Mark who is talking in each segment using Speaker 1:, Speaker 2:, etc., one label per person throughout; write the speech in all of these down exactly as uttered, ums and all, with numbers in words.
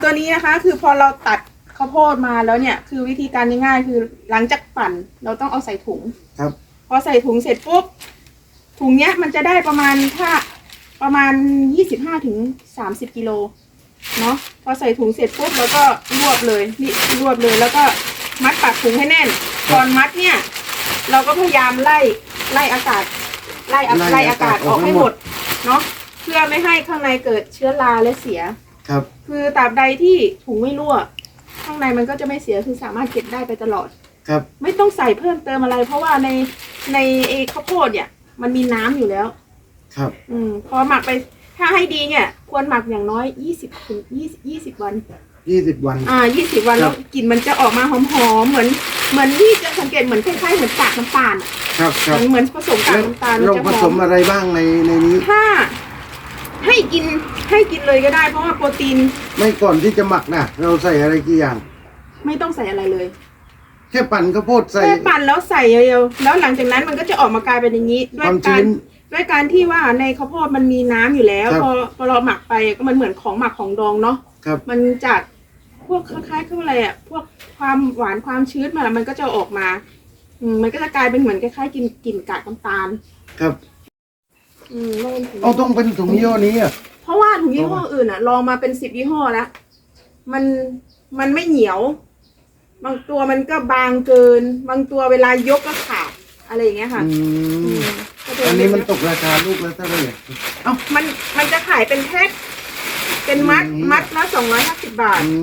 Speaker 1: ตัวนี้นะคะคือพอเราตัดข้าวโพดมาแล้วเนี่ยคือวิธีการง่ายๆคือหลังจากปั่นเราต้องเอาใส่ถุง
Speaker 2: ครับ
Speaker 1: พอใส่ถุงเสร็จปุ๊บถุงเนี้ยมันจะได้ประมาณถ้าประมาณยี่สิบห้าถึงสามสิบกิโลเนาะพอใส่ถุงเสร็จปุ๊บเราก็รวบเลยนี่รวบเลยแล้วก็มัดปากถุงให้แน่นตอนมัดเนี่ยเราก็พยายามไล่ไล่อากาศไล่ไล่อากาศออกให้หมดเนาะเพื่อไม่ให้ข้างในเกิดเชื้อราและเสีย
Speaker 2: ครับ
Speaker 1: คือตราบใดที่ถุงไม่รั่วข้างในมันก็จะไม่เสียคือสามารถเก็บได้ไปตลอด
Speaker 2: ครับ
Speaker 1: ไม่ต้องใส่เพิ่มเติมอะไรเพราะว่าในในเอข้าวโพดเนี่ยมันมีน้ำอยู่แล้ว
Speaker 2: ครับ
Speaker 1: อืมพอหมักไปถ้าให้ดีเนี่ยควรหมักอย่างน้อยยี่สิบถึงยี่สิบยี่สิบวัน
Speaker 2: ยี่สิบวัน
Speaker 1: อ่ายี่สิบวันแล้วกลิ่นมันจะออกมาหอมๆเหมือนเหมือนที่จะสังเกตเหมือนคล้ายๆเหมือนกากน้ำตาล
Speaker 2: ครับครับ
Speaker 1: เหมือนผสมกากน้ำตาล
Speaker 2: เราผสมอะไรบ้างในในนี้
Speaker 1: ถ้าให้กินให้กินเลยก็ได้เพราะว่าโปรตีน
Speaker 2: ไม่ก่อนที่จะหมักนะเราใส่อะไรกี่อย่าง
Speaker 1: ไม่ต้องใส่อะไรเลย
Speaker 2: แค่ปั่นข้าวโพดใส่
Speaker 1: แค่ปั่นแล้วใส่เดียวแล้วหลังจากนั้นมันก็จะออกมากลายเป็นอย่างนี้ด้วยการด้วยการที่ว่าในข้าวโพดมันมีน้ำอยู่แล้วพอพอเราหมักไปก็มันเหมือนของหมักของดองเนาะมันจากพวกคล้ายๆคืออะไรอ่ะพวกความหวานความชื้นมาแล้วมันก็จะออกมาอืมมันก็จะกลายเป็นเหมือนคล้ายๆกินกลิ่นกากน้ำตาล
Speaker 2: ครับ
Speaker 1: อืม
Speaker 2: เอาต้องเป็นถุงยี่ห้อนี้อ่ะ
Speaker 1: เพราะว่าถุงยี่ห้ออื่นอ่ะลองมาเป็นสิบยี่ห้อแล้วมันมันไม่เหนียวบางตัวมันก็บางเกินบางตัวเวลายกก็ขาดอะไรอย่างเงี้ยค่ะ
Speaker 2: อันนี้มันตกราคาลูกแล้วเท่าไหร่
Speaker 1: เอ้ามันมันจะขายเป็นแพ็คเป็นมัดมัดละสองร้อยห้าสิบบาท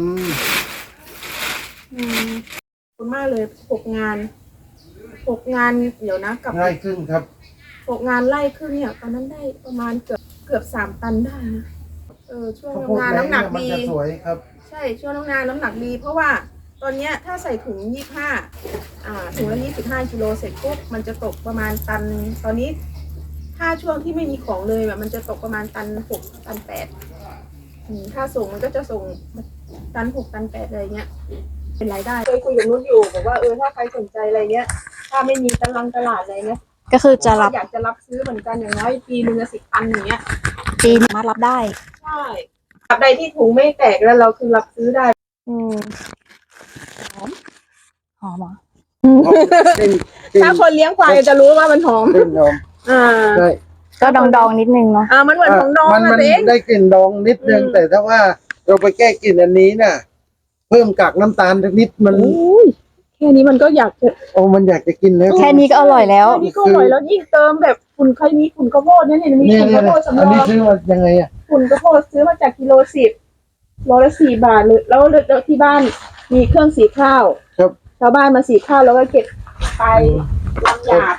Speaker 1: อืมขอบคุณมากเลยหกงานหกงานเดี๋ยวนะกับ
Speaker 2: ไร่ครึ่งครับ
Speaker 1: หกงานไร่ครึ่งเนี่ยตอนนั้นได้ประมาณเกือบเกือบสามตันได้นะเออช่วงงานน้ำหนักดี
Speaker 2: สวยครับ
Speaker 1: ใช่ช่วงงานน้ำหนักดีเพราะว่าตอนเนี้ยถ้าใส่ถุงยี่สิบห้าอ่าถุงละยี่สิบห้ากิโลเสร็จปุ๊บมันจะตกประมาณตันตอนนี้ถ้าช่วงที่ไม่มีของเลยแบบมันจะตกประมาณตันหกตันแปดถ้าส่งมันก็จะส่งตันหกตันแปดอะไรเงี้ยเป็นรายได้เคยคุยกับนุ่นอยู่บอกว่าเออถ้าใครสนใจอะไรเงี้ยถ้าไม่มีตลาดตลาดอะไรเงี้ย
Speaker 3: ก็คือจะรับ
Speaker 1: อยากจะรับซื้อเหมือนกันอย่างน้อยปีนึงสิบตันอย่างเงี้ย
Speaker 3: ปีมารับได้
Speaker 1: ใช่ตราบใดที่ถุงไม่แตกแล้วเราคือรับซื้อได้อืม
Speaker 3: หอมหอมอ่ะ
Speaker 1: ถ้าคนเลี้ยงควายจะรู้ว่ามันหอม
Speaker 2: หอม
Speaker 1: อ่า
Speaker 2: ใช่
Speaker 3: ก็ดองดองนิดนึงเนาะ
Speaker 1: อ่ามันเหมือนของดอง
Speaker 2: มันได้กลิ่นดองนิดนึงแต่ถ้าว่าเราไปแก้กลิ่นอันนี้น่ะเพิ่มกากน้ำตาลนิดมัน
Speaker 1: แค่นี้มันก็อยากจะ
Speaker 2: โอ้มันอยากจะกินแล้ว
Speaker 3: แค่นี้ก็อร่อยแล้ว
Speaker 1: แค่นี้ก็อร่อยแล้วยิ่งเติมแบบฝุ่นใครมีฝุ่นข้าวโพดเนี่ยเห็นมีฝุ่นข้าวโพดสำรอง
Speaker 2: อันนี้ซื้อมายังไงอ่ะ
Speaker 1: ฝุ่นข้าวโพดซื้อมาจากกิโลสิบโลละสี่บาทเลยแล้วแล้วที่บ้านมีเครื่องสีข้าว
Speaker 2: ครับ
Speaker 1: ชาวบ้านมาสีข้าวแล้วก็เก็บไปลำหยาบ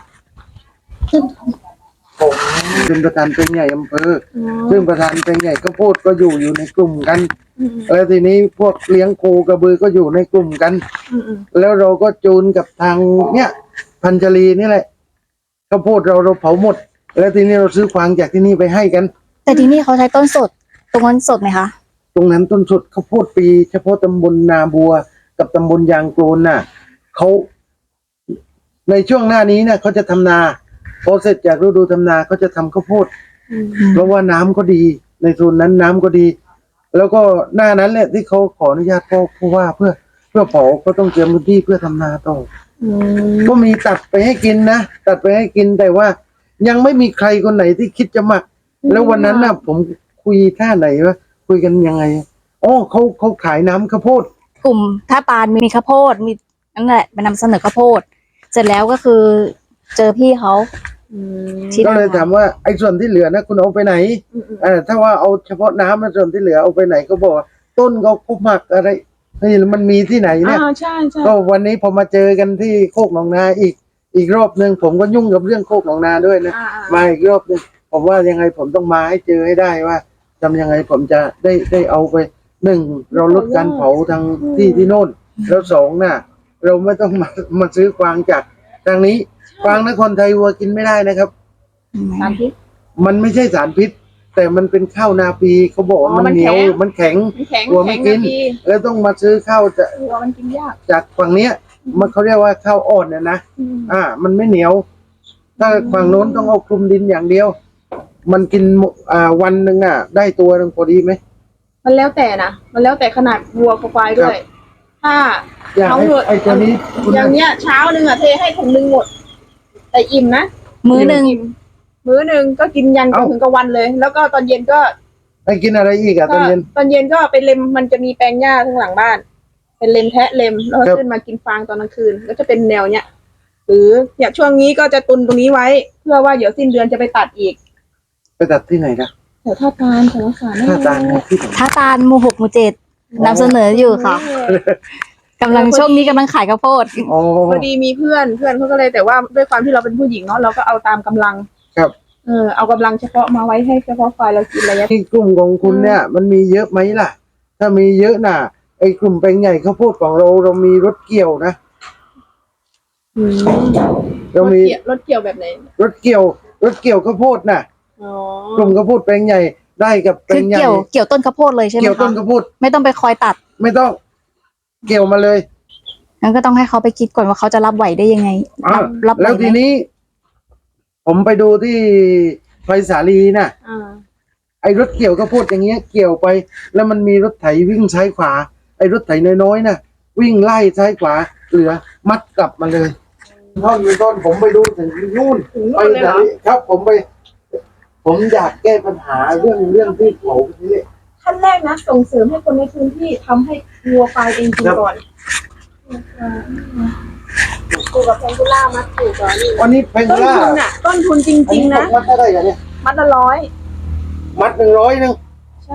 Speaker 2: ผมเป็นประธานเป็นใหญ่อำเภอซึ่งประธานเป็นใหญ่ก็พูดก็อยู่อยู่ในกลุ่มกันแล้วทีนี้พวกเลี้ยงโคกระบือก็อยู่ในกลุ่มกันแล้วเราก็จูนกับทางเนี้ยพันจรีนี่แหละข้าวโพดเราเราเผาหมดแล้วทีนี้เราซื้อฟางจากที่นี่ไปให้กัน
Speaker 3: แต่ที่นี่เขาใช้ต้นสดตรงนั้นสดไหมคะ
Speaker 2: ตรงนั้นต้นสดข้าวโพดปีเฉพาะตำบลนาบัวกับตำบลยางโกลนน่ะเขาในช่วงหน้านี้เนี่ยเขาจะทำนาพอเสร็จจากฤดูทำนาเขาจะทำข้าวโพดเพราะว่าน้ำก็ดีในโซนนั้นน้ำก็ดีแล้วก็หน้านั้นแหละที่เขาขออนุญาตพ่อผู้ว่าเพื่อเพื่อเผาก็ต้องเตรียมพื้นที่เพื่อทำนาต่อก็มีตัดไปให้กินนะตัดไปให้กินแต่ว่ายังไม่มีใครคนไหนที่คิดจะหมักแล้ววันนั้นน่ะผมคุยท่าไหนวะคุยกันยังไงอ๋อเขาเขาขายน้ำข้าวโพด
Speaker 3: กลุ่มท่าปานมีข้าวโพดมีนั่นแหละไปนำเสนอข้าวโพดเสร็จแล้วก็คือเจอพี่เขา
Speaker 2: ก็เลยถามว่าไอ้ส่วนที่เหลือนะคุณเอาไปไหนอ่าถ้าว่าเอาเฉพาะน้ำส่วนที่เหลือเอาไปไหนก็บอกต้นเขาคุหมักอะไรนี่มันมีที่ไหนเนี่ย
Speaker 1: ใช่ใช่
Speaker 2: ก็วันนี้พอมาเจอกันที่โคกหนองนาอีกอีกรอบหนึ่งผมก็ยุ่งกับเรื่องโคกหนองนาด้วยนะมาอีกรอบหนึ่งผมว่ายังไงผมต้องมาให้เจอให้ได้ว่าทำยังไงผมจะได้ได้เอาไปหนึ่งเราลดการเผาทางที่ที่โน่นแล้วสองน่ะเราไม่ต้องมามาซื้อกวางจากทางนี้กวางนครไทยวัวกินไม่ได้นะครับ
Speaker 1: สารพิษ
Speaker 2: มันไม่ใช่สารพิษแต่มันเป็นข้าวนาปีเขาบอกว่ามันเหนียวมันแข็งวัวไม่กินแล้วต้องมาซื้อข้าวจะ
Speaker 1: วัวมันกินยาก
Speaker 2: จากฝั่งเนี้ยมันเขาเรียกว่าข้าวอ่อนเนี่ยนะอ่ามันไม่เหนียวถ้าฝั่งโน้นต้องเอาคลุมดินอย่างเดียวมันกินอ่าวันหนึ่งอ่ะได้ตัวหนึ่งพอดีไหม
Speaker 1: มันแล้วแต่นะมันแล้วแต่ขนาดวัวกับควายด้วย ถ้า
Speaker 2: อยาก
Speaker 1: เอา
Speaker 2: ให้
Speaker 1: เถอะ
Speaker 2: ไอ้ตัวนี้คุณ
Speaker 1: อย่างเนี้ยเช้าหนึ่งอ่ะเทให้ถุงหนึ่งหมด แต่อิ่มนะ
Speaker 3: มื้อหนึ่ง
Speaker 1: อิ่มมื้อหนึ่งก็กินยันจนถึงกลางวันเลย แล้วก็ตอนเย็นก็
Speaker 2: ให้กินอะไรอีกอะต
Speaker 1: ก็
Speaker 2: อนเย็น
Speaker 1: ตอนเย็นก็ไปเล็มมันจะมีแปลงหญ้าข้างหลังบ้าน เป็นเล็มแทะเล็มแล้วก็
Speaker 2: ครับ
Speaker 1: ขึ้นมากินฟางตอนกลางคืนก็จะเป็นแนวเนี้ยหรือเนี่ยช่วงนี้ก็จะตุนตรงนี้ไว้ เพื่อว่าเดี๋ยวสิ้นเดือนจะไปตัดอีก
Speaker 2: ไปตัดที่ไหนนะ
Speaker 1: แถวท่าตาลแถวสาร
Speaker 2: ท่าตาลนะที่ไหน
Speaker 3: ท่าตาลหมู่หกหมู่เจ็ดนำเสนออยู่ค่ะกำลังช่วงนี้กำลังขายข้าวโพด
Speaker 2: อ๋อ
Speaker 1: พอดีมีเพื่อนเพื่อนเขาก็เลยแต่ว่าด้วยความที่เราเป็นผู้หญิงเนาะเราก็เอาตามกำลัง
Speaker 2: ครับ
Speaker 1: เออเอากำลังเฉพาะมาไว้ให้เฉพาะควายเรากินระยะ
Speaker 2: ที่กลุ่มของคุณเนี่ย มันมีเยอะไหมล่ะ ถ้ามีเยอะน่ะไอ้กลุ่มแปลงใหญ่ข้าวโพดของเราเรามีรถเกี่ยวนะ
Speaker 1: อืม
Speaker 2: เรา
Speaker 1: รถ
Speaker 2: มี
Speaker 1: เกี่ยวรถเกี่ยวแบบไหน
Speaker 2: รถเกี่ยว รถเกี่ยวข้าวโพดน่ะ
Speaker 1: อ๋อก
Speaker 2: ลุ่มข้าวโพดแปลงใหญ่ได้กับแปล
Speaker 3: คือง
Speaker 2: ใหญ่
Speaker 3: เกี่ยวเกี่ยวต้นข้าวโพดเลยใช่ไหม
Speaker 2: เกี่ยวต้น
Speaker 3: คะ
Speaker 2: ข้าวโพด
Speaker 3: ไม่ต้องไปคอยตัด
Speaker 2: ไม่ต้อง เกี่ยวมาเลย
Speaker 3: งั้นก็ต้องให้เขาไปคิดก่อนว่าเขาจะรับไหวได้ยังไง
Speaker 2: อ่ะ
Speaker 3: รับรับไหว
Speaker 2: แล้ว
Speaker 3: ไห
Speaker 2: ที
Speaker 3: ม
Speaker 2: นี้ ผมไปดูที่ไฟสาลีน่ะ
Speaker 1: อ่า
Speaker 2: ไอ้รถเกี่ยวข้าวโพดอย่างเงี้ยเกี่ยวไป แล้วมันมีรถไถวิ่งซ้ายขวา ไอ้รถไถน้อยๆน่ะ วิ่งไล่ซ้ายขวาเหลือมัดกลับมาเลยท่อนเป็นต้นผมไปดูถึงนู่น
Speaker 1: ถึง
Speaker 2: ไป
Speaker 1: นู่นเลย
Speaker 2: ไหน
Speaker 1: เหรอ
Speaker 2: ครับ ผมไป ผมอยากแก้ปัญหาเรื่องเรื่องที่เผานี่
Speaker 1: ขั้นแรกนะส่งเสริมให้คนในพื้นที่ทำให้วัวควายเองกิน
Speaker 2: ครับ
Speaker 1: ก่อนปลูกกับแพงกุล่ามัดปลูกก่อนนี่
Speaker 2: วันนี้เพน
Speaker 1: ต้น
Speaker 2: ล่า
Speaker 1: ทุนอ่ะ ต้นทุนจ
Speaker 2: อัน
Speaker 1: ริง
Speaker 2: นี้
Speaker 1: ๆ นะ
Speaker 2: ตกมัดเท่าไหร่กันเนี่ย
Speaker 1: มัดละร้อย
Speaker 2: มัดหนึ่งร้อยหนึ่ง
Speaker 1: ใช่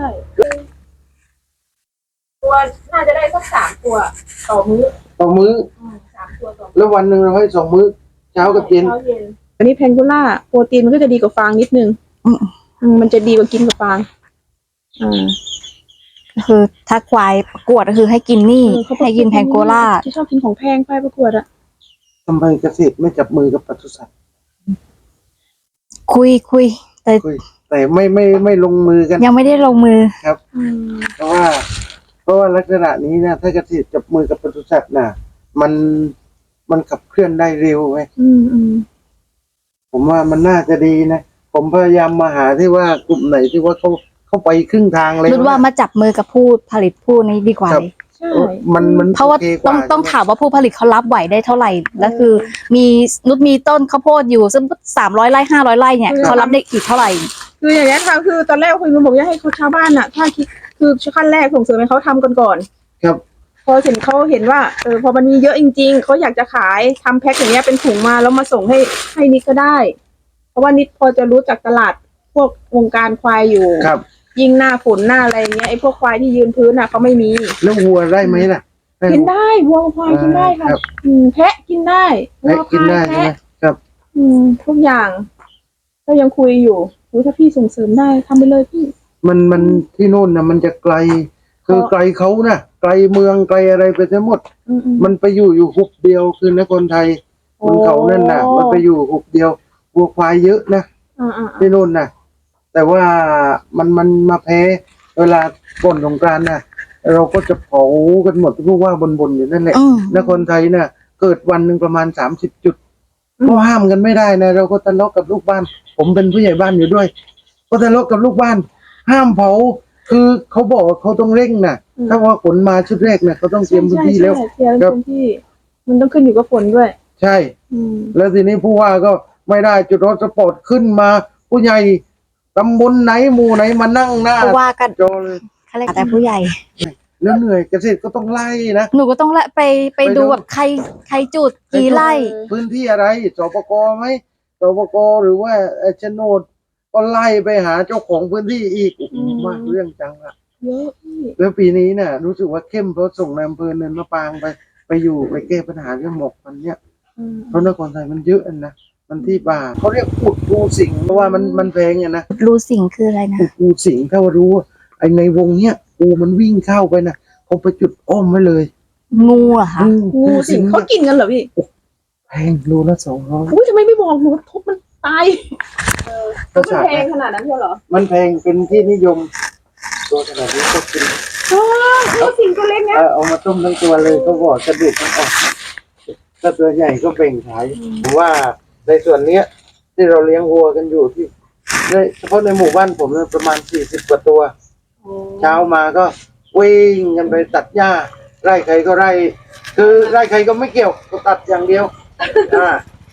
Speaker 1: ตัวน่าจะได้สักสามตัว ต่อมื้อ
Speaker 2: ต่อมื้อ
Speaker 1: อืมสามตัวต่อมื้อ
Speaker 2: แล้ววันหนึ่งเราให้สองมื้อเช้ากับเย็น
Speaker 1: ช้าเย็นอันนี้แพนกุล่าโปรตีนมันก็จะดีกว่าฟางนิดนึง
Speaker 3: อืม
Speaker 1: อืมมันจะดีกว่ากินกับฟางอ่า
Speaker 3: ก็คือถ้าควายประกวดก็คือให้กินนี่
Speaker 1: เออเขาบอก
Speaker 3: ให้กินแพงโกล่า
Speaker 1: ที่ชอบกินของแพงไปประกวดอะ
Speaker 2: ทำไมเกษตรไม่จับมือกับปศุสัตว์
Speaker 3: คุยคุย แต่
Speaker 2: คุยแต่ไม่ไม่ไม่ลงมือกัน
Speaker 3: ยังไม่ได้ลงมือ
Speaker 2: ครับ
Speaker 1: อืม
Speaker 2: เพราะว่า เพราะว่าลักษณะนี้นะถ้าเกษตรจับมือกับปศุสัตว์น่ะ มันมันขับเคลื่อนได้เร็วไหม
Speaker 1: อืมอืม
Speaker 2: ผมว่ามันน่าจะดีนะ ผมพยายามมาหาที่ว่ากลุ่มไหนที่ว่าเขาเขาไปครึ่งทางเลย
Speaker 3: รุดว่ามาจับมือกับผู้ผลิตผู้นี้ดีกว่า
Speaker 2: ครับ
Speaker 3: เลย
Speaker 1: ใช่
Speaker 2: มันมัน
Speaker 3: เพราะว่า
Speaker 2: โอคก
Speaker 3: ต้องต้องถามว่าผู้ผลิตเขารับไหวได้เท่าไหร่ แล้วคือ มีนุชมีต้นข้าวโพดอยู่ซึ่งสามร้อยไร่ห้าร้อยไร่เนี่ยเขารับได้อีกเท่าไหร่
Speaker 1: คืออย่างนี้ยค่ะคือตอนแรกคุยกันบอกว่าให้เขาชาวบ้านอะถ้าคิดคือขั้นแรกส่งเสริมให้เขาทำกันก่อน
Speaker 2: ครับ
Speaker 1: พอเห็นเขาเห็นว่าเออพอมันมีเยอะจริงๆเขาอยากจะขายทำแพ็คอย่างเงี้ยเป็นถุงมาแล้วมาส่งให้ให้นิดก็ได้ เพราะว่านิดพอจะรู้จักตลาดพวกวงการควายอยู่
Speaker 2: ครับ
Speaker 1: ยิ่งหน้าฝนหน้าอะไรเงี้ยไอ้พวกควายที่ยืนพื้นอ่ะเขาไม่มี
Speaker 2: แล้ววัวได้ไหมล่ะ
Speaker 1: กินได้วัวควายกินได้ค่ะ
Speaker 2: ครับ
Speaker 1: อืมแพะกินได้วั
Speaker 2: ให้
Speaker 1: ว
Speaker 2: กิน
Speaker 1: ควาย
Speaker 2: ได้ใช่ไหม
Speaker 1: แพะ
Speaker 2: ครับ
Speaker 1: อืมทุกอย่าง ก็ยังคุยอยู่อุ๊ยถ้าพี่ส่งเสริมได้ทำไปเลยพี่
Speaker 2: มันมันที่โน่นนะมันจะไกล คือ
Speaker 1: เพราะ
Speaker 2: ไกลเขานะไกลเมืองไกลอะไรไปทั้งหมด
Speaker 1: อืมอืม
Speaker 2: มันไปอยู่อยู่หุบเดียวคือนครไทยบนเขานั่นน่ะ มันไปอยู่หุบเดียววัวควายเยอะนะ
Speaker 1: อ่าอ่า
Speaker 2: ที่โน่นน่ะ แต่ว่ามันมันมาแพ้เวลาก่อนสงกรานต์น่ะ เราก็จะเผากันหมดทุกว่าบนๆอยู่นั่นแหละ
Speaker 3: อืม
Speaker 2: นครไทยน่ะ เกิดวันหนึ่งประมาณสามสิบจุดก็ห้ามกันไม่ได้นะเราก็ทะเลาะกับลูกบ้าน ผมเป็นผู้ใหญ่บ้านอยู่ด้วย ก็ทะเลาะกับลูกบ้าน ห้ามเผา คือเขาบอกว่าเขาต้องเร่งน่ะ ถ้าว่าฝนมาชุดแรกน่ะเขาต้องเตรียมพื้นที่แล้ว
Speaker 1: ใช่ใช่เตรียม
Speaker 2: ครับ
Speaker 1: พื้นที่ มันต้องขึ้นอยู่กับฝนด้วย
Speaker 2: ใช่
Speaker 1: อืม
Speaker 2: แล้วทีนี้ผู้ว่าก็ไม่ได้จุดรถสปอร์ตขึ้นมา ผู้ใหญ่ตำบลไหนหมู่ไหนมานั่งหน้า
Speaker 3: เพราะว่ากัน
Speaker 2: จอเลย
Speaker 3: เขาเรียกแต่ผู้ใหญ่
Speaker 2: แล้วเหนื่อยเกษตรก็ต้องไล่นะ
Speaker 3: หนูก็ต้องละไปไป
Speaker 2: ไปดู
Speaker 3: ดูแบบใครใครจุดกี่ไร่
Speaker 2: พื้นที่อะไรสปกไหมสปกหรือว่าเอ่อโฉนดก็ไล่ไปหาเจ้าของพื้นที่อีกโอ้โหมากเรื่องจังอะ
Speaker 1: เยอะพี่
Speaker 2: แล้วปีนี้น่ะ รู้สึกว่าเข้มเพราะส่งนายอำเภอเนินมะปรางไปไปอยู่ไปแก้ปัญหาเรื่องหมอกมันเนี้ย
Speaker 1: อืม
Speaker 2: เพราะนครไทยมันเยอะอะนะมันที่ป่าเขาเรียกขุดปูสิงเพราะว่ามันมันแพงอะนะ
Speaker 3: รูสิงคืออะไรนะ
Speaker 2: ขุดปูสิงถ้าว่ารู้ว่าไอในวงเนี้ยปูมันวิ่งเข้าไปนะเขาไปจุดอ้อมไว้เลย
Speaker 3: งูเหรอคะ
Speaker 1: งูสิงเขากินกันเหรอพี่
Speaker 2: แพงรูละสองร้อย
Speaker 1: อุ้ยทำไมไม่บอกหนูทุบมันตาย
Speaker 2: กระ
Speaker 1: มัน
Speaker 2: สา
Speaker 1: แพงขนาดนั้นเหรอ
Speaker 2: มันแพงเป็นที่นิยม ตัวขนาดนี้ก็กิน
Speaker 1: อ๋องูสิงตัวเล็ก
Speaker 2: เอ
Speaker 1: นะ
Speaker 2: อเอามาต้มทั้งตัวเลยก็บอกกระดูกมันออกถ้าตัวใหญ่ก็เบ่งขายผมว่าในส่วนเนี้ย ที่เราเลี้ยงวัวกันอยู่ที่ในเฉพาะในหมู่บ้านผมเนี่ยประมาณสี่สิบกว่าตัวเช้ามาก็วิ่งกันไปตัดหญ้าไร่ใครก็ไร่ คือไร่ใครก็ไม่เกี่ยวก็ตัดอย่างเดียวอ่า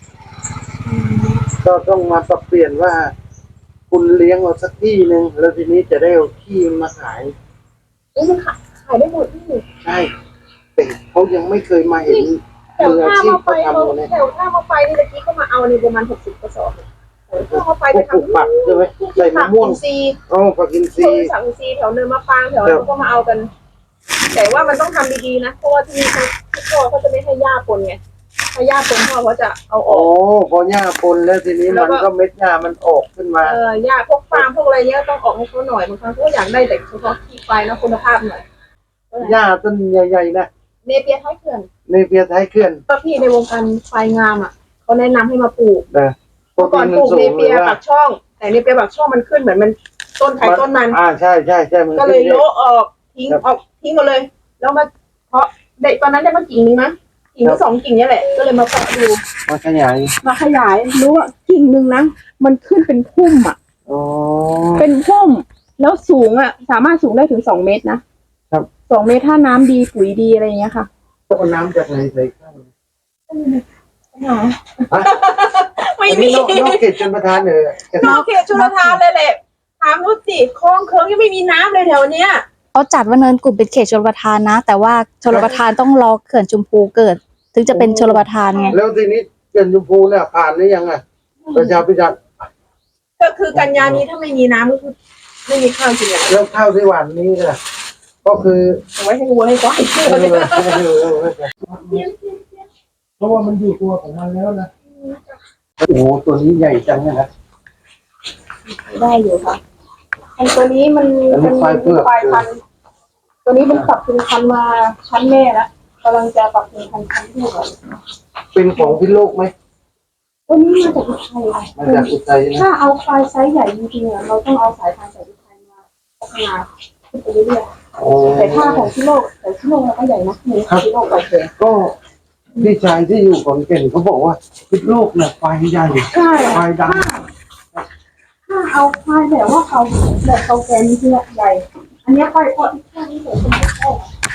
Speaker 2: ก็ต้องมาปรับเปลี่ยนว่า คุณเลี้ยงเอาสักที่หนึ่งแล้วทีนี้จะได้เอาที่มาขาย
Speaker 1: เอ้ยมันขายขายได้หมดที่
Speaker 2: ใช่แต่เขายังไม่เคยมาเห็น
Speaker 1: แถว
Speaker 2: มืออา
Speaker 1: ท่า
Speaker 2: ชีพ
Speaker 1: มาไฟ
Speaker 2: เขาทำเลย
Speaker 1: แถวท่ามาไฟนี่ตะกี้ก็มาเอาในประมาณหกสิบกระสอบแถวท่ามาไฟ
Speaker 2: พ
Speaker 1: ไป
Speaker 2: วกปลูก
Speaker 1: ทำ
Speaker 2: ผักใช่ไหมใส่มะม่วง
Speaker 1: ผักอินทรีย์
Speaker 2: อ๋อผักอินท
Speaker 1: พว
Speaker 2: รี
Speaker 1: ก
Speaker 2: ย์
Speaker 1: สังซีแถวเนินมะปรางแถวนั้นก็มาเอากัน แต่ว่ามันต้องทำดีๆนะเพราะว่าที่นี่เขาพ่อเขาจะไม่ให้หญ้าปนไงถ้าหญ้าปนพ่อเขาจะเอาอ
Speaker 2: โอ้
Speaker 1: อก
Speaker 2: พอหญ้าปนแล้วทีนี้
Speaker 1: แล้ว
Speaker 2: มัน
Speaker 1: ก็
Speaker 2: ก็เม็ดหญ้ามันออกขึ้นมา
Speaker 1: เออหญ้าพวกฟางพวกอะไรเนี้ยต้องออกให้เขาหน่อยบางครั้งเขาก็อยากได้แต่เฉพาะที่ไฟนะคุณภาพหน่อย
Speaker 2: หญ้าต้นใหญ่ๆนะ
Speaker 1: เนเปียท้ายเขื่อน
Speaker 2: ในเปียท้ายเขื่อน
Speaker 1: ก็พี่ในวงการไฟงามอ่ะเขาแนะนำให้มาปลูก
Speaker 2: นะโปร
Speaker 1: เมื่อ
Speaker 2: ตี
Speaker 1: ก่อน
Speaker 2: น
Speaker 1: ป
Speaker 2: มัน
Speaker 1: ลูก
Speaker 2: สู
Speaker 1: เน
Speaker 2: ง
Speaker 1: เปีย
Speaker 2: เลยว่า
Speaker 1: ปักช่อง แต่เนเปียปักช่องมันขึ้นเหมือนมันต้นไข่ต้นมัน
Speaker 2: อ่าใช่ใช่ใช่มัน
Speaker 1: ก็เลย
Speaker 2: ขึ้นยอะ
Speaker 1: โละออกทิ้งออกทิ้งหมดเลย แล้วมาเพาะเด็กตอนนั้นได้มากิ่งนึงนะกิ่งที่สองกิ่งเนี้แหละก็เลยมาเพาะดู
Speaker 2: มาขยาย
Speaker 1: มาขยายรู้ว่ากิ่งหนึ่งนะมันขึ้นเป็นพุ่มอ่ะ
Speaker 2: อ๋อ
Speaker 1: เป็นพุ่มแล้วสูงอ่ะ สามารถสูงได้ถึงสองเมตรนะครับ สองเมตรถ้าน้ำดีปุ๋ยดีอะไรอย่างเงี้ยค่ะ
Speaker 2: ต้องเอาน้ำจากไหนใส่ข้าว
Speaker 1: หา
Speaker 2: อ่ะ
Speaker 1: ไม่
Speaker 2: อัน
Speaker 1: มี
Speaker 2: นี้นอกนอกเขตชนประทานเลย
Speaker 1: นอกเขตชุลทานเลยแหละถามนุชสิคลองเคิงยังไม่มีน้ำเลยแถวเนี้ย
Speaker 3: เขาจัดว่าเนินกลุ่มเป็นเขตชลประทานนะ แต่ว่าชลประทานต้องรอเขื่อนชุมพูเกิด ถึงจะเป็นชลประทานไง
Speaker 2: แล้วทีนี้เขื่อนชมพูเนี่ยผ่านหรือยังอ่ะประชาพิจารณ์
Speaker 1: ก็คือกันยานี้ถ้าไม่มีน้ำก็คือไม่มีข้าวกินอ่ะ
Speaker 2: แล้วข้าวที่หวานนี้ล่ะก็คือ
Speaker 1: เอาไว้ให้วัวให้ควาย
Speaker 2: เออเออเออเออเพราะว่ามันอยู่ตัวของมันแล้วนะโอ้โหตัวนี้ใหญ่จังเลยนะ
Speaker 1: ได้อยู่ค่ะไอ้ตัวนี้มัน
Speaker 2: อันนี้
Speaker 1: เป็น
Speaker 2: ควายเผือก
Speaker 1: ควายพันธุ์ตัวนี้มันปรับปรุงพันธุ์มาชั้นแม่แล้วกำลังจะปรับปรุงพันธุ์ชั้นลูกอ่ะ
Speaker 2: เป็นของพิษโลกไหม
Speaker 1: ตัวนี้มาจากอุทัยค่ะ
Speaker 2: มาจากอุทัยนะ
Speaker 1: ถ้าเอาควายไซส์ใหญ่จริงๆอ่ะเราต้องเอาสายพันธุ์จากอุทัยมาพัฒนาขึ้นไปเรื่อย
Speaker 2: โอ้
Speaker 1: ๆแต่ถ้าของที่โลกแต่ที่โลกเราก็ใหญ่นะหมูที่โลกเราเอง
Speaker 2: ก็พี่ชายที่อยู่ขอนแก่นเขาบอกว่าพิษโลกเนี่ยควายใหญ่
Speaker 1: ใช่
Speaker 2: ควายด
Speaker 1: ถ้าเอาควายแบบว่าเขาแบบเขาแกนที่ใหญ่ อันนี้ควายพอที่แค่นี้เลยเป็นแค่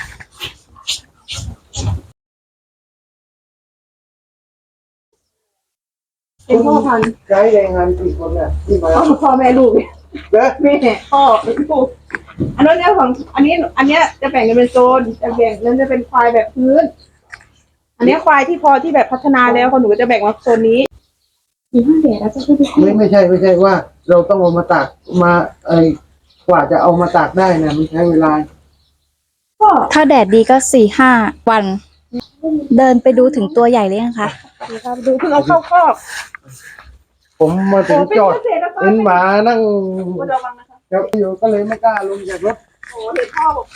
Speaker 1: เป็นพ่อพันธุ์
Speaker 2: ำใช้แรงงานกี่คนเนี่ยที่มา
Speaker 1: พ่อพ่อแม่ลูก
Speaker 2: เด้อ
Speaker 1: แม่พ่อลูกอันนั้นเนี่ยของอันนี้ อันเนี้ยจะแบ่งกันเป็นโซนจะแบ่งนั้นจะเป็นควายแบบพื้น อันนี้ควายที่พอที่แบบพัฒนาแล้วคนหนูก็จะแบ่งมาโซนนี้มีห้าแดดแล้วจะขึ้นไป
Speaker 2: ไม่ไม่ใช่ไม่ใช่ว่า เราต้องเอามาตากมาไอ้กว่าจะเอามาตากได้เนี่ยมันใช้เวลา
Speaker 1: ก็
Speaker 3: ถ้าแดดดีก็สี่ห้าวัน เดินไปดูถึงตัวใหญ่เลยนะคะ
Speaker 1: ดูครับดูเพิ่งเอาเข้าคอก
Speaker 2: ผมมาถึงจอด
Speaker 1: โเป็นเกษตรกร
Speaker 2: เห็นหมานั่ง
Speaker 1: ควรระวังนะคะ
Speaker 2: ครับอยู่ก็เลยไม่กล้าลงจากรถ
Speaker 1: โอ้เห็นพ่อบอก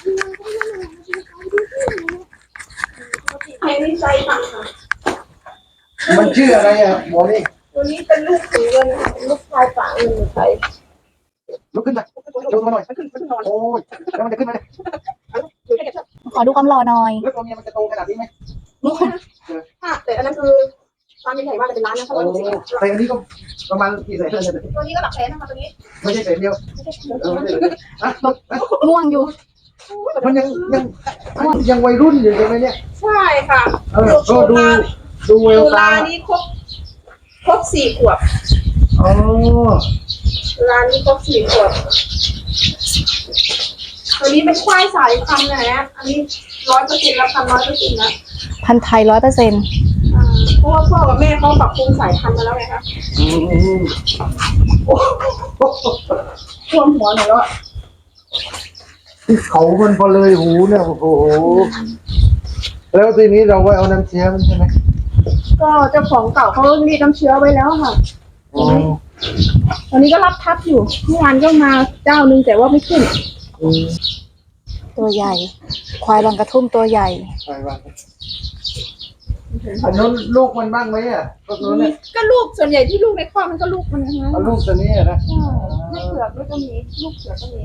Speaker 1: ไอ้นี่ใจค่ะ
Speaker 2: มันชื่ออะไรอ่ะหมอนี่
Speaker 1: ตัวนี้เป็นลูกสีเงินค่ะเป็นลูกชายฝาเงินไทย
Speaker 2: ลุกขึ้นมาลงมาหน่อย
Speaker 1: มันขึ้นมันนอน
Speaker 2: โอ้ยแล้วมันจะขึ้นมาเลย
Speaker 3: ขอดูความหล่อหน่อย
Speaker 2: แล้วตัวเมียมันจะโตขนาดนี้ไหม
Speaker 1: ค่ะแต่อันนั้นคือความเป็นใหญ่ว่าจะเป็นร้านนะเพราะ
Speaker 2: โอ้
Speaker 1: ว่าลูกสี
Speaker 2: แต่อันนี้ก็ประมาณกี่แสนเลย
Speaker 1: ตัวนี้ก็หลักแสนนะคะตัวนี้
Speaker 2: ไม่ใช่แสนเดียวเออไม่ใช่แสนเดียวอ่ะ
Speaker 3: ง่วงอยู่
Speaker 2: มันยังยังยังวัยรุ่นอยู่ใช่ไหมเนี่ย
Speaker 1: ใช่ค่ะ
Speaker 2: เออก็ดูดูเวล
Speaker 1: ตุ
Speaker 2: ตา
Speaker 1: ลานี้ครบครบสี่ขวบ
Speaker 2: อ๋อ
Speaker 1: ตุลานี้ครบสี่ขวบตัวนี้เป็นควายสายพันธุ์นะฮะอันนี้ร้อยเปอร์เซ็นต์แล้วพันร้อยเปอร์เซ็นต์นะ
Speaker 3: พันธุ์ไทยร้อยเปอร์เซ็นต์
Speaker 1: อ่าเพราะว่าพ่อกับแม่เขาปรับปรุงสายพันธุ์มาแล้วไงคะ
Speaker 2: อืม
Speaker 1: ท่วมหัวหน่อยแล้วอะ
Speaker 2: เขามันพอเลยหูเนี่ยโอ้โหแล้วทีนี้เราไว้เอาน้ำเชื้อมันใช่ไหม
Speaker 1: ก็เจ้าของเก่าเขารีดน้ำเชื้อไว้แล้วค่ะ
Speaker 2: อ๋อ
Speaker 1: ตอนนี้ก็รับทับอยู่เมื่อวานก็มาเจ้านึงแต่ว่าไม่ขึ้น
Speaker 2: อืม
Speaker 3: ตัวใหญ่ ควายบางกระทุ่มตัวใหญ่
Speaker 2: ไปบ้างอันนู้นลูกมันบ้างไหมอ่ะพวกนู้นเนี่ย
Speaker 1: ก็ลูกส่วนใหญ่ที่ลูกในครอบมันก็ลูกมันนะฮะ
Speaker 2: เอาลูกตัวนี้อะนะ
Speaker 1: ใช่แม่เผือกด้วยก็มีลูกเผือกก็มี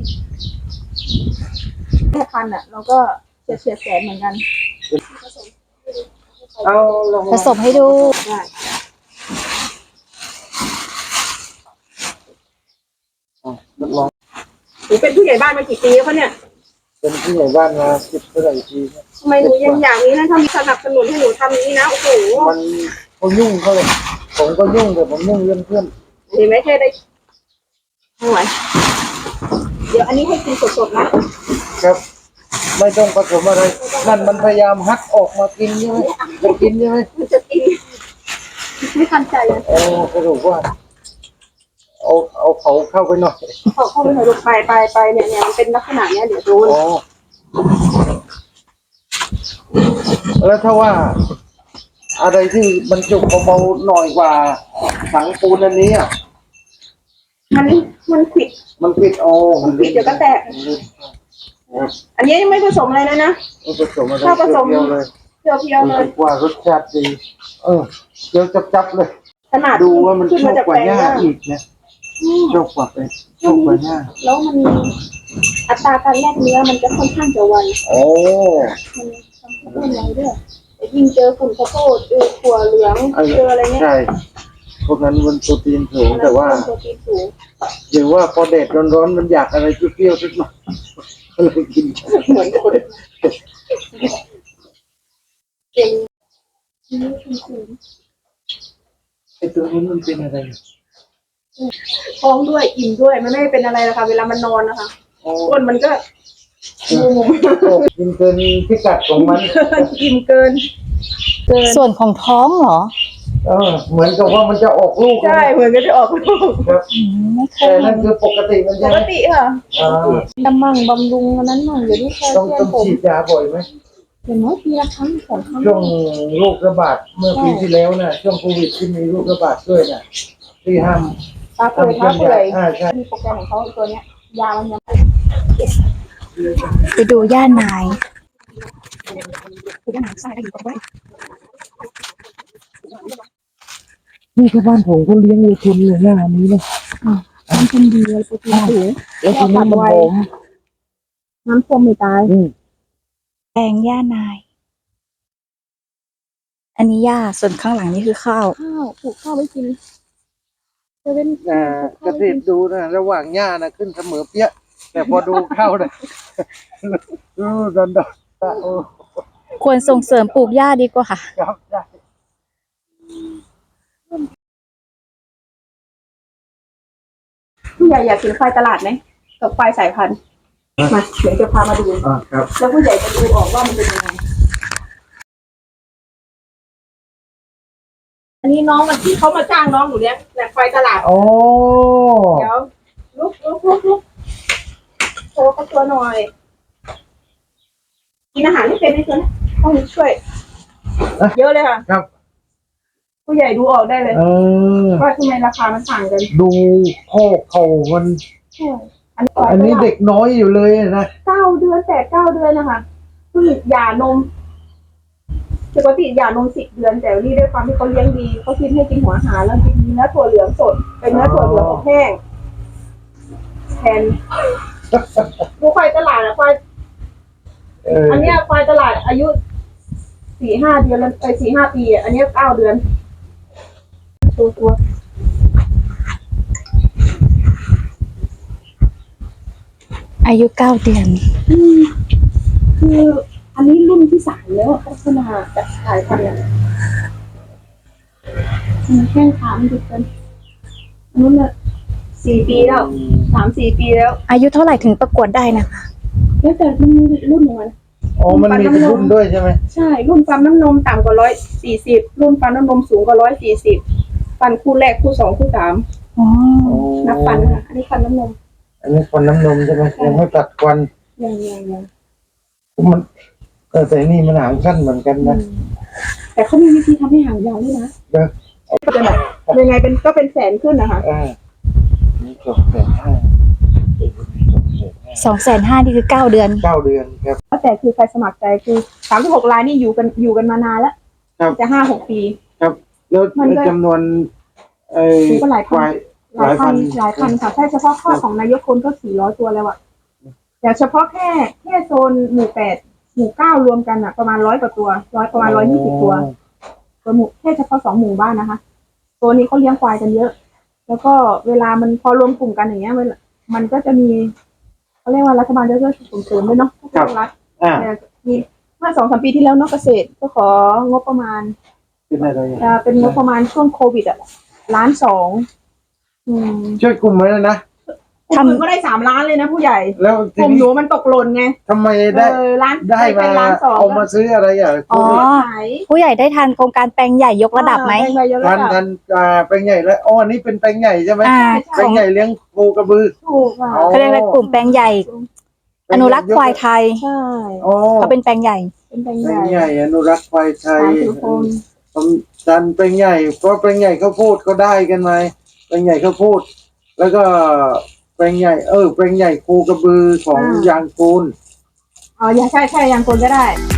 Speaker 1: แม่พันธุ์อ่ะ เราก็เฉียดเฉียดแสนเหมือนกัน
Speaker 2: เอาลง
Speaker 3: ผสมให้ดู
Speaker 1: ได้
Speaker 2: ลอง
Speaker 1: หนูเป็นผู้ใหญ่บ้านมากี่ปีแล้วคะเนี่ย
Speaker 2: เป็นผู้ใหญ่บ้านมาสิบเท่าไหร่ปีเนี่ย
Speaker 1: ทำไมหนูยังอย่างนี้นะถ้ามีสนับสนุนให้หนูทำอย่างนี้นะโอ้โห
Speaker 2: มันเขายุ่งเขาเลยผมก็ยุ่งแต่ผมยุ่งเรื่องเพื่อน
Speaker 1: เห็นไหมแค่ได้ไม่ไหวเดี๋ยวอันนี้ให้กินสดๆนะครับ
Speaker 2: ไม่ต้องผสมอะไรนั่นมันพยายามฮัดออกมากินใช่ไหมจะกินใช่ไหม
Speaker 1: มันจะกินไม่ทันใจเลย
Speaker 2: โอ้สรุปว่าเอาเอาเขาเข้าไปหน่อย
Speaker 1: พอเข้าไปหน่อยลูกไปไปไปเนี่ยเนี่ยมันเป็นลักษณะเนี้ยเดี๋ยวโดน
Speaker 2: อ๋อแล้วถ้าว่า อะไรที่มันจุกเบาๆหน่อยกว่าถังปูนอันนี้อ่ะ
Speaker 1: มันมันขิด
Speaker 2: มันปิดโอ้
Speaker 1: มันปิดเดี๋ยวก็แตก อันนี้ยังไม่ผสมอะไรเลยนะ
Speaker 2: มันผสมอะไร
Speaker 1: ถ้าผสม
Speaker 2: เปรี้ยวๆเลย
Speaker 1: เพียวเพียวๆเลย
Speaker 2: รู้สึกว่ารสชาติดีเออเดี๋ยวจับๆเลย
Speaker 1: ขนาด
Speaker 2: ดูว่ามัน
Speaker 1: ขึ้น
Speaker 2: ชอ
Speaker 1: มา
Speaker 2: บ
Speaker 1: จาก
Speaker 2: กว่า
Speaker 1: แปลง
Speaker 2: หญ้า
Speaker 1: ย่า
Speaker 2: อีกนะ
Speaker 1: อืม
Speaker 2: ชอบกว่าไปชอบกว่าหญ้า
Speaker 1: แล้วมันอัตราการแลกเนื้อมันจะค่อนข้างจะไว
Speaker 2: โอ้
Speaker 1: มันทำให้ต้นไวด้วยแต่ยิ่งเจอฝุ่นข้าวโพดเจอถั่วเหลืองเจออะไรเงี้ย
Speaker 2: ใช่พวกนั้นมันโปรตีนสูงแต่ว่า
Speaker 1: โปรตีนสูง
Speaker 2: หรือว่าพอแดดร้อนๆมันอยากอะไรเปรี้ยวๆสักหน่อยก็เลยกิน
Speaker 1: เหมือนคนเก่ง
Speaker 2: ไอ้ตัวนี้มันเป็นอะไร
Speaker 1: ท้องด้วยอิ่มด้วยมันไม่ได้เป็นอะไรหรอกค่ะเวลามันนอนนะคะ
Speaker 2: โอ้
Speaker 1: อ้วนมันก็มุม
Speaker 2: กินเกินพิกัดของมัน
Speaker 1: อิ่มเกิน เกิน
Speaker 3: ส่วนของท้องเหรอ
Speaker 2: เออเหมือนกับว่ามันจะออกลูก
Speaker 1: ใช่เหมือนก็จะออกลูก
Speaker 2: ครับ
Speaker 3: อืมไม่เค
Speaker 2: แต่
Speaker 3: ย
Speaker 2: นั่นคือปกติมัน
Speaker 1: ป
Speaker 2: ใช่
Speaker 1: ก
Speaker 2: ไหม
Speaker 1: ติค่ะ
Speaker 2: อ่า
Speaker 1: ดำมั่งบำรุงอันนั้นมั่งเดี๋ยวนี้แคล
Speaker 2: ต้อง
Speaker 1: เซีย
Speaker 2: ต้
Speaker 1: ม
Speaker 2: อง
Speaker 1: ผม
Speaker 2: ฉีดยาบ่อยไหม
Speaker 1: อย่างน้อยปีละครั้งสองครั้ง
Speaker 2: ช่วงโรคระบาดเมื่อปีที่แล้วน่ะช่วงโควิดที่มีโรคระบาดด้วยน่ะที่ห้าม
Speaker 1: ตาเปื่อย
Speaker 2: ทำเค
Speaker 1: เท้า
Speaker 2: รื่อง
Speaker 1: เปื่อย
Speaker 2: ยาอ่าใช่
Speaker 1: มีโปรแกรมของเขาตัวเนี้ยยามันยัง
Speaker 3: ไปดูย่านาย
Speaker 1: คือปัญหาใส่ได้อยู่กับไว้
Speaker 2: นี่ชาวบ้านผมก็เลี้ยงวัวชนเลยหน้านี้นะ
Speaker 1: มันเป็นดีเลยโปรตีนสูง
Speaker 2: แล้วทีนี้มันหอม
Speaker 1: น้ำส้มไม่ตาย
Speaker 2: อืม
Speaker 3: แปลงย่านาย อันนี้หญ้าส่วนข้างหลังนี่คือข้าว
Speaker 1: ข้าวปลูกข้าวไว้กินจะเป็น
Speaker 2: อ่าเกษตรดูนะระหว่างหญ้านะขึ้นเสมอเปี้ย แต่พอดูเข้านะรู้ดอนดอนโอ้
Speaker 3: ควรส่งเสริมปลูกหญ้าดีกว่าค่ะ
Speaker 2: ครับได้
Speaker 1: ผู้ใหญ่อยากกินควายตลาดไหมกับควายสายพันธุ์มาเดี๋ยวจะพามาดู
Speaker 2: อ่าครับ
Speaker 1: แล้วผู้ใหญ่จะดูออกว่ามันเป็นยังไงอันนี้น้องมันที่เขามาจ้างน้องหนูเลี้ยงแต่ควายตลาด
Speaker 2: โอ้
Speaker 1: เดี๋ยวลุกลุกลุกลุกโชว์เขาตัวหน่อย กินอาหารไม่เป็นไม่เป็นต้องช่วย เยอะเลยค่ะ
Speaker 2: ครับ
Speaker 1: ผู้ใหญ่ดูออกได้เลย
Speaker 2: เออ
Speaker 1: ว่าทำไมราคามันต่างกัน
Speaker 2: ดูข้อเข่ามัน
Speaker 1: ใช่อันนี้
Speaker 2: อันนี้เด็กน้อยอยู่เลยนะ
Speaker 1: เก้าเดือนแปดเก้าเดือนนะคะเพิ่งหย่านมปกติหย่านมสิบเดือนแต่นี่ด้วยความที่เขาเลี้ยงดีเขาคิดให้กินหัวอาหารแล้วกินเนื้อถั่วเหลืองสดเป็นเนื้อถั่วเหลืองอบแห้งแทนดูควายตลาดอะควาย
Speaker 2: เออ
Speaker 1: อันเนี้ยควายตลาดอายุสี่ห้าเดือนแล้วไปสี่ห้าปีอ่ะอันเนี้ยเก้าเดือนตัวตัว
Speaker 3: อายุเก้าเดือน
Speaker 1: อืมคืออันนี้รุ่นที่สามแล้วพัฒนาจากสายพันธุ์อะอืมแข้งขามันติดกันอันนู้นน่ะสี่ปีแล้วสามสี่ปีแล้ว
Speaker 3: อายุเท่าไหร่ถึงประกวดได้นะคะ
Speaker 1: แล้วแต่มันมีรุ่นของมัน
Speaker 2: อ๋อมันมีเป็นรุ่นด้วยใช่ไหม
Speaker 1: ใช่ รุ่นฟันน้ำนมต่ำกว่าร้อยสี่สิบรุ่นฟันน้ำนมสูงกว่าร้อยสี่สิบฟันคู่แรกคู่สองคู่สาม
Speaker 3: อ๋อ
Speaker 1: นับฟันค่ะอันนี้ฟันน้ำนม
Speaker 2: อันนี้ควันน้ำนมใช่ไหมยังไม่ตัดควัน
Speaker 1: ยังยังยัง
Speaker 2: มันเออแต่นี่มันหางสั้นเหมือนกันนะ
Speaker 1: แต่เขามีวิธีทำให้หางยาวด้วยนะ
Speaker 2: เด้อ
Speaker 1: ก็จะแบบยังไงเป็นก็เป็นแสนขึ้นนะคะ
Speaker 2: อ่านี่จบแสนห้า
Speaker 3: สองแสนห้านี่คือเก้าเดือน
Speaker 2: เก้าเดือนครับ
Speaker 1: แต่คือใครสมัครใจคือสามสิบหกรายนี่อยู่กันอยู่กันมานานแล้ว
Speaker 2: ครับ
Speaker 1: จะห้าหกปี
Speaker 2: ครับ แล้ว
Speaker 1: มันก็
Speaker 2: จำนวนไอ้
Speaker 1: มันก็หลายพัน
Speaker 2: ควาย
Speaker 1: หลายพันหลายพันค่ะแค่เฉพาะข้อของนายกคนก็สี่ร้อยตัวแล้วอะแต่เฉพาะแค่แค่โซนหมู่แปดหมู่เก้ารวมกันอะประมาณร้อยกว่าตัวร้อยประมาณร้อยยี่สิบตัวตัวหมู่แค่เฉพาะสองหมู่บ้านนะคะตัวนี้เขาเลี้ยงควายกันเยอะ แล้วก็เวลามันพอรวมกลุ่มกันอย่างเงี้ยมันมันก็จะมีเขาเรียกว่ารัฐบาลจะช่วยส่งเสริมด้วยเนาะ
Speaker 2: ครับ
Speaker 1: รัฐ
Speaker 2: อ่า
Speaker 1: เนี่ยมีเมื่อสองสามปีที่แล้วเนอกเกษตรก็ของบประมาณ
Speaker 2: เป็นอะไรอ่ะ
Speaker 1: จะเป็นงบประมาณช่วงโควิดอ่ะล้านสองอืม
Speaker 2: ช่วยกลุ่มไว้แล้วนะ
Speaker 1: กลุ่มหนึ่งก็ได้สามล้านเลยนะผู้ใหญ่
Speaker 2: แล้ว
Speaker 1: ก
Speaker 2: ที
Speaker 1: ลุ่มห
Speaker 2: นี้
Speaker 1: นูมันตกหล่นไง
Speaker 2: ทำไมได้
Speaker 1: เออล้าน
Speaker 2: ได้
Speaker 1: เป็
Speaker 2: มาน
Speaker 1: ล้านสอง
Speaker 2: เอามาซื้ออะไรอ่ะ
Speaker 3: อ๋อ
Speaker 1: ขาย
Speaker 3: ผู้ใหญ่ได้ทันโครงการแปลงใหญ่ยกระดับไหม
Speaker 1: อ่าแบ่งใบยก
Speaker 2: ทั
Speaker 1: ระ
Speaker 2: น
Speaker 1: ดับ
Speaker 2: ทันอ่าแปลงใหญ่แล้วอ๋ออันนี้เป็นแปลงใหญ่ใช่ไหม
Speaker 3: อ่า
Speaker 2: แปล
Speaker 3: ของ
Speaker 2: งใหญ่เลี้ยงโคกระบือ
Speaker 1: ถูกอ่ะ
Speaker 2: อ๋อ
Speaker 3: เขาเรียกอะไรกลุ่มแปลงใหญ่ อนุรักษ์ควายไทย
Speaker 1: ใช่
Speaker 2: อ๋อ
Speaker 3: เขาเป็นแปลงใหญ่
Speaker 1: เป็นแปลง
Speaker 2: แปล
Speaker 1: ใหญ่
Speaker 2: งใหญ่อนุรักษ์ควายไทย
Speaker 1: สามสิบคน
Speaker 2: ผมดันแปลงใหญ่เพราะแปลงใหญ่เขาพูดก็ได้กันไหมแปลงใหญ่เขาพูด แล้วก็แปลงใหญ่เออแปลงใหญ่โคกระบือของยางกูล
Speaker 1: อ๋อใช่ใช่ยังคนก็ได้